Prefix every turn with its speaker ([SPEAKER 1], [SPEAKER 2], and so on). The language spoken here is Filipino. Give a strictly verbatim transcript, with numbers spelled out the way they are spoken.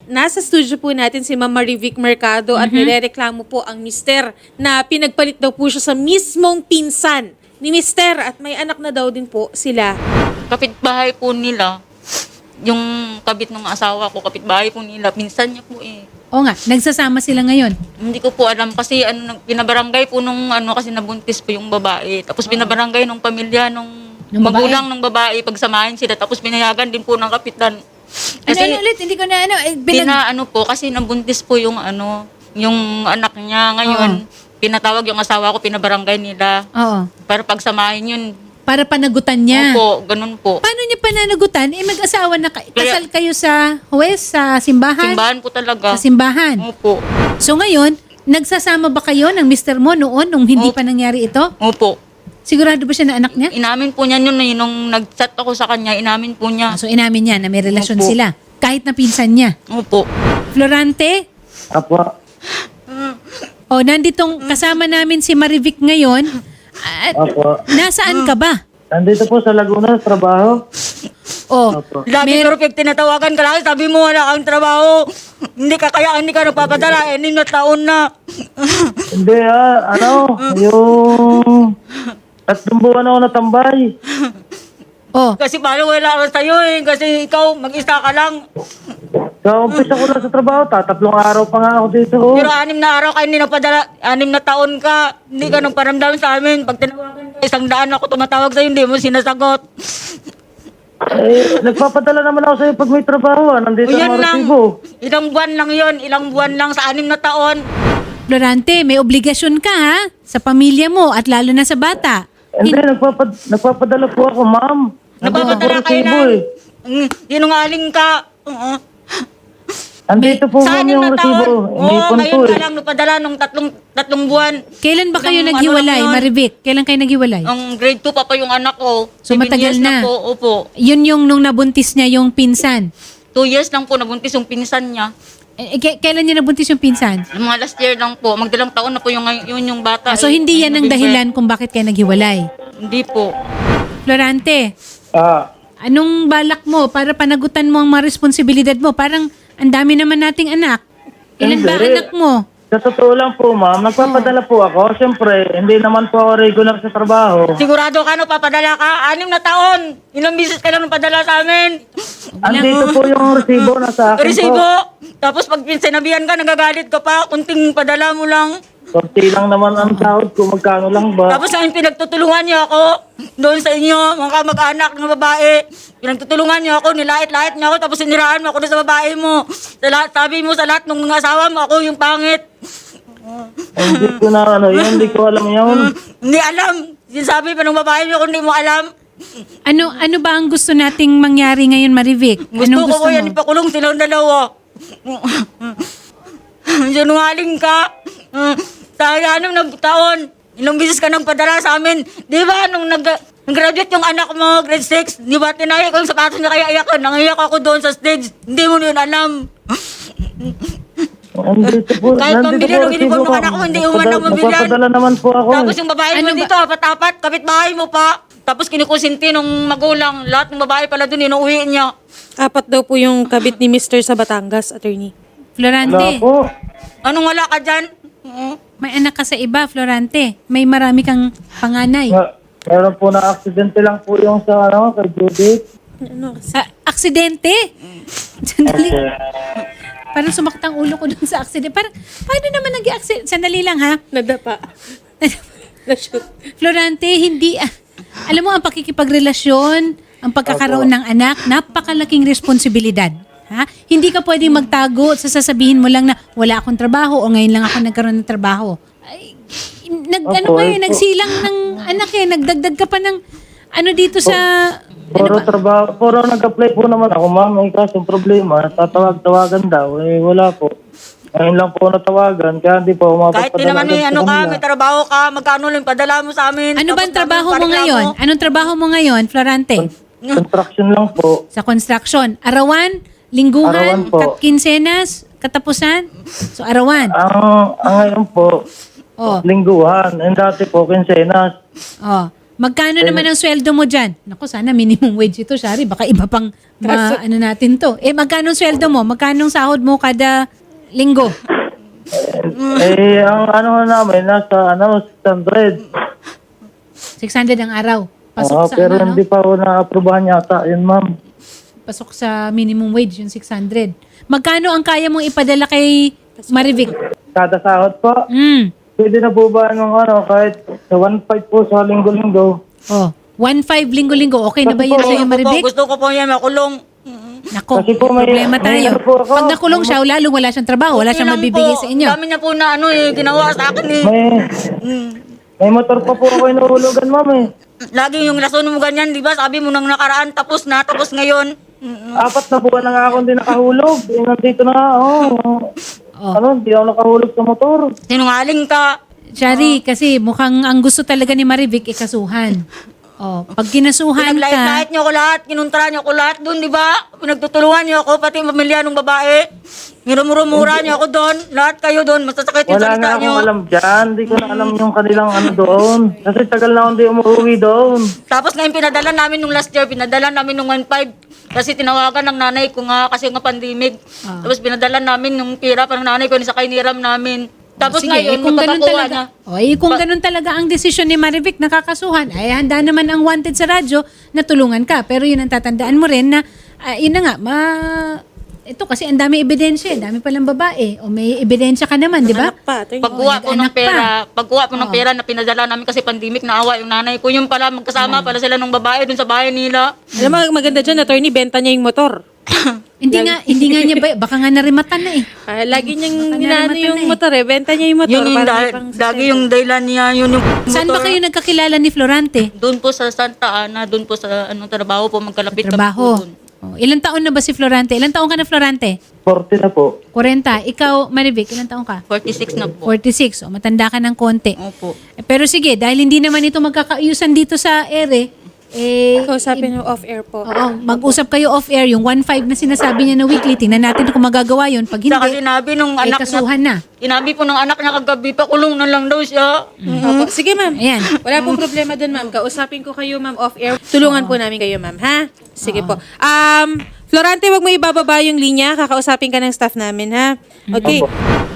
[SPEAKER 1] nasa studio po natin si Ma'am Marivic Mercado at nirereklamo po ang mister na pinagpalit daw po siya sa mismong pinsan ni mister at may anak na daw din po sila.
[SPEAKER 2] Kapitbahay po nila, yung kabit ng asawa ko, kapitbahay po nila, pinsan niya po eh.
[SPEAKER 3] O nga, nagsasama sila ngayon.
[SPEAKER 2] Hindi ko po alam kasi ano, nag- pinabarangay po nung ano kasi nabuntis po yung babae. Tapos pinabarangay nung pamilya nung
[SPEAKER 3] Nung babae?
[SPEAKER 2] magulang ng babae pagsamahin sila. Tapos pinayagan din po ng kapitan.
[SPEAKER 3] Ano,
[SPEAKER 2] Kasi
[SPEAKER 3] ano ulit? Hindi ko na ano. Eh, binag-
[SPEAKER 2] pina ano po kasi nabuntis po yung ano, yung anak niya ngayon. Pinatawag yung asawa ko, pinabarangay nila
[SPEAKER 3] Oo.
[SPEAKER 2] para pagsamahin yun.
[SPEAKER 3] Para panagutan niya.
[SPEAKER 2] Opo, ganun po.
[SPEAKER 3] Paano niya pananagutan? Eh, mag-asawa na kayo.
[SPEAKER 2] Kaya-
[SPEAKER 3] Kasal kayo sa huwes, sa simbahan?
[SPEAKER 2] Simbahan po talaga.
[SPEAKER 3] Sa simbahan.
[SPEAKER 2] Opo.
[SPEAKER 3] So ngayon, nagsasama ba kayo ng mister mo noon nung hindi
[SPEAKER 2] Opo.
[SPEAKER 3] pa nangyari ito?
[SPEAKER 2] Opo.
[SPEAKER 3] Sigurado ba siya na anak niya?
[SPEAKER 2] Inamin po niya yun eh, nung nag-chat ako sa kanya, inamin po niya.
[SPEAKER 3] Ah, so inamin niya na may relasyon
[SPEAKER 2] Opo.
[SPEAKER 3] sila. Kahit na pinsan niya.
[SPEAKER 2] Opo.
[SPEAKER 3] Florante,
[SPEAKER 4] Apo.
[SPEAKER 3] o nanditong kasama namin si Marivic ngayon. At
[SPEAKER 4] Apo.
[SPEAKER 3] nasaan ka ba?
[SPEAKER 4] Nandito po sa Laguna, sa trabaho.
[SPEAKER 3] O,
[SPEAKER 4] Apo.
[SPEAKER 2] Lagi
[SPEAKER 3] Mer-
[SPEAKER 2] perfect, tinatawagan ka lang, sabi mo wala kang trabaho. Hindi ka kaya, hindi ka nagpapadala, enim na taon na.
[SPEAKER 4] Hindi ah, ano, yung... Tatlong buwan ako natambay.
[SPEAKER 3] o,
[SPEAKER 2] Kasi paano wala ka sa'yo eh, kasi ikaw mag-isa ka lang.
[SPEAKER 4] So, umpisa ko lang sa trabaho, tatatlong araw pa nga ako dito. Oh.
[SPEAKER 2] Pero anim na araw ka hindi napadala, anim na taon ka, hindi ka nang paramdam sa amin. Pag tinawagan ka, isang daan ako tumatawag sa'yo, hindi mo sinasagot.
[SPEAKER 4] Eh, nagpapadala naman ako sa'yo pag may trabaho ah. Nandito
[SPEAKER 2] O yan
[SPEAKER 4] ang
[SPEAKER 2] lang,
[SPEAKER 4] resibo.
[SPEAKER 2] ilang buwan lang yon, ilang buwan lang sa anim na taon.
[SPEAKER 3] Florante, may obligasyon ka ha? Sa pamilya mo at lalo na sa bata.
[SPEAKER 4] Hindi, nagpapad nagpapadala po ako, ma'am.
[SPEAKER 2] Napapadala
[SPEAKER 4] Nandito
[SPEAKER 2] kayo
[SPEAKER 4] resibo,
[SPEAKER 2] lang.
[SPEAKER 4] eh.
[SPEAKER 2] Mm, Sinungaling ka. Oo.
[SPEAKER 4] Andito po
[SPEAKER 2] Sa
[SPEAKER 4] ma'am
[SPEAKER 2] anim
[SPEAKER 4] yung
[SPEAKER 2] na
[SPEAKER 4] resibo.
[SPEAKER 2] taon. Oo,
[SPEAKER 4] Inipon po
[SPEAKER 2] ngayon
[SPEAKER 4] eh.
[SPEAKER 2] ka lang napadala nung tatlong, tatlong buwan.
[SPEAKER 3] Kailan ba kayo
[SPEAKER 2] Ilang ano
[SPEAKER 3] naghiwalay,
[SPEAKER 2] lang yun?
[SPEAKER 3] Marivic? Kailan kayo naghiwalay?
[SPEAKER 2] Ang grade two pa pa yung anak ko.
[SPEAKER 3] So,
[SPEAKER 2] Seven
[SPEAKER 3] matagal
[SPEAKER 2] years
[SPEAKER 3] na.
[SPEAKER 2] po, opo.
[SPEAKER 3] Yun yung nung nabuntis niya yung pinsan.
[SPEAKER 2] Two years lang po nabuntis yung pinsan niya.
[SPEAKER 3] Eh, eh, k- kailan niya nabuntis yung pinsan?
[SPEAKER 2] Yung mga last year lang po. Magdalang taon na po yung, yun yung bata.
[SPEAKER 3] Ah, so
[SPEAKER 2] eh,
[SPEAKER 3] hindi yan ang
[SPEAKER 2] November.
[SPEAKER 3] dahilan kung bakit kayo naghiwalay.
[SPEAKER 2] Hindi po.
[SPEAKER 3] Florante,
[SPEAKER 4] Ah,
[SPEAKER 3] anong balak mo para panagutan mo ang mga responsibilidad mo? Parang ang dami naman nating anak. Ilan ba
[SPEAKER 4] Hindi.
[SPEAKER 3] anak mo?
[SPEAKER 4] sa totoo lang po, ma'am, nagpapadala po ako. Siyempre, hindi naman po ako regular sa trabaho.
[SPEAKER 2] Sigurado ka no, papadala ka. Anim na taon. Ilang bisis ka lang napadala sa amin.
[SPEAKER 4] Andito po yung resibo na sa akin
[SPEAKER 2] Resibo.
[SPEAKER 4] po.
[SPEAKER 2] Tapos pag sinabihan ka, nagagalit ka pa. Kunting padala mo lang.
[SPEAKER 4] Kunti lang naman ang sahod ko, magkano lang ba?
[SPEAKER 2] Tapos ngayon pinagtutulungan niyo ako doon sa inyo, mga kamag-anak ng babae. Pinagtutulungan niyo ako, nilait-lait niyo ako, tapos siniraan mo ako doon sa babae mo. Sa lahat, sabi mo sa lahat ng mga asawa mo, ako yung pangit.
[SPEAKER 4] Hindi ko na ano, yun, hindi ko alam yun.
[SPEAKER 2] Hindi alam. Sinasabi pa ng babae mo kung hindi mo alam.
[SPEAKER 3] Ano ano ba ang gusto nating mangyari ngayon, Marivic?
[SPEAKER 2] Gusto
[SPEAKER 3] Anong
[SPEAKER 2] ko
[SPEAKER 3] gusto
[SPEAKER 2] ko yan,
[SPEAKER 3] mo?
[SPEAKER 2] ipakulong silang dalawa. Sinungaling ka. Sa anong nagtaon, ilang bisis ka nang padala sa amin. Di ba, nung nag, nag-graduate yung anak mo, grade six, di ba, tinaya ko yung sapatos niya kaya iyak ka. Nangiyak ako doon sa stage. Hindi mo yun alam.
[SPEAKER 4] Andito po,
[SPEAKER 2] Kahit
[SPEAKER 4] nandito
[SPEAKER 2] pambili
[SPEAKER 4] po
[SPEAKER 2] ng uniform ng
[SPEAKER 4] resibo,
[SPEAKER 2] anak mo, hindi
[SPEAKER 4] ma'am.
[SPEAKER 2] mo man lang
[SPEAKER 4] Nagpapadala-
[SPEAKER 2] mabilhan.
[SPEAKER 4] Nagpapadala naman po ako.
[SPEAKER 2] Tapos
[SPEAKER 4] eh.
[SPEAKER 2] yung babae
[SPEAKER 3] Ano
[SPEAKER 2] mo
[SPEAKER 3] ba-
[SPEAKER 2] dito, apat-apat, kapitbahay mo pa. Tapos kinukusinti nung magulang. Lahat ng babae pala doon, inuuwi niya.
[SPEAKER 1] Apat daw po yung kabit ni mister sa Batangas, attorney.
[SPEAKER 4] Wala
[SPEAKER 3] Florante,
[SPEAKER 4] po.
[SPEAKER 2] Anong wala ka dyan? Oo.
[SPEAKER 3] may anak ka sa iba, Florante. May marami kang panganay.
[SPEAKER 4] Ma- Meron po na aksidente lang po yung sa ano, kay Judith.
[SPEAKER 1] Ano kasi?
[SPEAKER 3] Ah, aksidente? Sandali. Parang sumakit ang ulo ko dun sa aksidente. Parang, paano naman nag-aksidente? Sandali lang ha.
[SPEAKER 1] Nadapa. Na-shoot.
[SPEAKER 3] Florante, hindi, ah, alam mo, ang pakikipagrelasyon, ang pagkakaroon ng anak, napakalaking responsibilidad. Ha? Hindi ka pwedeng magtago sa sasabihin mo lang na wala akong trabaho o ngayon lang ako nagkaroon ng trabaho. Ay, nag,
[SPEAKER 4] Opo,
[SPEAKER 3] ano kayo,
[SPEAKER 4] opo.
[SPEAKER 3] nagsilang ng anak eh, nagdagdag ka pa ng ano dito sa...
[SPEAKER 4] Puro trabaho, puro nag-apply po naman ako, ma'am. May kasong problema, tatawag-tawagan daw. Eh, wala po. Ngayon lang po natawagan, kaya hindi po ako
[SPEAKER 2] Kahit di
[SPEAKER 4] mapapadala
[SPEAKER 2] naman may
[SPEAKER 4] agad
[SPEAKER 2] ano
[SPEAKER 4] sa
[SPEAKER 2] ka,
[SPEAKER 4] kanila.
[SPEAKER 2] may trabaho ka, magkano lang padala mo sa amin.
[SPEAKER 3] Ano ba ang
[SPEAKER 2] Tapos
[SPEAKER 3] trabaho mo
[SPEAKER 2] namin
[SPEAKER 3] ngayon?
[SPEAKER 2] pareklamo.
[SPEAKER 3] Anong trabaho mo ngayon, Florante?
[SPEAKER 4] Construction lang po.
[SPEAKER 3] Sa construction. Arawan, lingguhan,
[SPEAKER 4] Arawan po.
[SPEAKER 3] katkinsenas, katapusan? So, arawan.
[SPEAKER 4] Ang, ang ngayon po,
[SPEAKER 3] Oh.
[SPEAKER 4] lingguhan. And dati po, kinsenas.
[SPEAKER 3] Oh. Magkano naman ang sweldo mo dyan? Naku, sana minimum wage ito, Shari. Baka iba pang ma, ano natin to. Eh, magkano ang sweldo mo? Magkano ang sahod mo kada linggo?
[SPEAKER 4] Eh, ang ano namin, nasa ano, six hundred.
[SPEAKER 3] six hundred ang araw. Pasok
[SPEAKER 4] Oo,
[SPEAKER 3] sa
[SPEAKER 4] pero
[SPEAKER 3] ano, no?
[SPEAKER 4] hindi pa ako na-aprobahan yata yun, ma'am.
[SPEAKER 3] Pasok sa minimum wage, yung six hundred. Magkano ang kaya mong ipadala kay Marivic?
[SPEAKER 4] Kada sahod po.
[SPEAKER 3] Mm.
[SPEAKER 4] Pwede na po ba ng ano, kahit sa one five po sa linggo-linggo.
[SPEAKER 3] Oh, one five linggo-linggo. Okay na ba yun
[SPEAKER 4] Kasi
[SPEAKER 3] sa'yo,
[SPEAKER 2] Gusto ko po,
[SPEAKER 3] Marivic?
[SPEAKER 2] gusto ko po yan makulong.
[SPEAKER 3] Nako,
[SPEAKER 4] Kasi po may-
[SPEAKER 3] problema
[SPEAKER 4] may
[SPEAKER 3] tayo.
[SPEAKER 4] ano po ako.
[SPEAKER 3] Pag nakulong siya, lalo wala siyang trabaho, wala siyang
[SPEAKER 2] Yun lang
[SPEAKER 3] mabibigay
[SPEAKER 2] po.
[SPEAKER 3] sa inyo.
[SPEAKER 2] Dami niya po na ano eh, ginawa sa akin eh.
[SPEAKER 4] May,
[SPEAKER 2] Mm.
[SPEAKER 4] may motor pa po ako inuhulugan, ma'am eh.
[SPEAKER 2] Lagi yung rason mo ganyan, di ba? Sabi mo nang nakaraan, tapos na, tapos ngayon. Mm.
[SPEAKER 4] Apat na buwan na nga ako hindi nakahulog. Eh, nandito na nga, oh.
[SPEAKER 3] Oh.
[SPEAKER 4] Ano, hindi ako nakahulog sa motor.
[SPEAKER 2] Sinungaling ka.
[SPEAKER 3] Shari, kasi mukhang ang gusto talaga ni Marivic ikasuhan. Oh, pag kinasuhan ka,
[SPEAKER 2] Pinaglait-lait niyo ko lahat, kinuntra niyo ko lahat doon, di ba? Pinagtutulungan niyo ako, pati yung pamilya ng babae. Mirumura-mura niyo ako doon, lahat kayo doon, masasakit yung
[SPEAKER 4] Wala nga
[SPEAKER 2] salita niyo.
[SPEAKER 4] akong alam dyan. Hindi ko na alam yung kanilang ano doon. Kasi tagal na akong hindi umuwi doon.
[SPEAKER 2] Tapos ngayon pinadala namin nung last year, pinadala namin nung one five. Kasi tinawagan ng nanay ko nga, kasi nga pandemic.
[SPEAKER 3] Ah.
[SPEAKER 2] Tapos pinadala namin nung pira pa ng nanay ko, sa kainiram namin. Tapos
[SPEAKER 3] sige,
[SPEAKER 2] ngayon,
[SPEAKER 3] eh, kung ganun
[SPEAKER 2] magpapakuha
[SPEAKER 3] talaga,
[SPEAKER 2] na.
[SPEAKER 3] oh, eh, kung ganun talaga ang desisyon ni Marivic nakakasuhan, ay handa naman ang wanted sa radyo na tulungan ka. Pero yun ang tatandaan mo rin na, ah, yun na nga, ma, ito kasi ang dami ebidensya, eh, dami palang babae. O may ebidensya ka naman, di ba?
[SPEAKER 1] Anak pa. Ito yung-
[SPEAKER 2] Pagkuha
[SPEAKER 3] Oo,
[SPEAKER 2] po ng
[SPEAKER 3] nag-anak
[SPEAKER 2] pera,
[SPEAKER 3] pa.
[SPEAKER 2] pagkuha po ng pera na pinadala namin kasi pandemic, naawa yung nanay ko. Yung pala, magkasama pala sila ng babae dun sa bahay nila.
[SPEAKER 1] Alam mo, maganda dyan, attorney, benta niya yung motor.
[SPEAKER 3] Hindi nga, hindi nga niya ba, baka nga narimatan na eh.
[SPEAKER 1] Ah, lagi niyang
[SPEAKER 3] Baka
[SPEAKER 1] inaano
[SPEAKER 3] narimatan
[SPEAKER 1] yung
[SPEAKER 3] na eh.
[SPEAKER 1] motor eh. Benta niya yung motor.
[SPEAKER 2] Yun yung
[SPEAKER 1] para may
[SPEAKER 2] dahil,
[SPEAKER 1] pang
[SPEAKER 2] lagi yung dahilan niya, yun yung
[SPEAKER 3] Saan ba
[SPEAKER 2] motor.
[SPEAKER 3] kayo nagkakilala ni Florante?
[SPEAKER 2] Doon po sa Santa Ana, doon po sa anong trabaho po, magkalapit kami po
[SPEAKER 3] Trabaho.
[SPEAKER 2] doon.
[SPEAKER 3] Oh, ilang taon na ba si Florante? Ilang taon ka na, Florante?
[SPEAKER 4] forty na po.
[SPEAKER 3] forty. Ikaw, Marivic, ilang taon ka?
[SPEAKER 2] forty-six na po.
[SPEAKER 3] forty-six. O, matanda ka ng konti.
[SPEAKER 2] Opo.
[SPEAKER 3] Eh, pero sige, dahil hindi naman ito magkakaayusan dito sa ere, eh,
[SPEAKER 1] Kausapin niyo off-air po.
[SPEAKER 3] oo, mag-usap kayo off-air. Yung one five na sinasabi niya na weekly, tingnan natin kung magagawa yun. Pag
[SPEAKER 2] Saka
[SPEAKER 3] hindi,
[SPEAKER 2] sinabi nung
[SPEAKER 3] eh,
[SPEAKER 2] anak
[SPEAKER 3] kasuhan
[SPEAKER 2] niya,
[SPEAKER 3] na.
[SPEAKER 2] sinabi po ng anak niya kagabi, pakulong na lang daw siya.
[SPEAKER 1] Opo. Sige, ma'am.
[SPEAKER 3] Ayan.
[SPEAKER 1] Wala pong problema dun, ma'am. Kausapin ko kayo, ma'am, off-air. Tulungan po namin kayo, ma'am, ha? Sige po. Um, Florante, wag mo ibababa yung linya. Kakausapin ka ng staff namin, ha? Okay.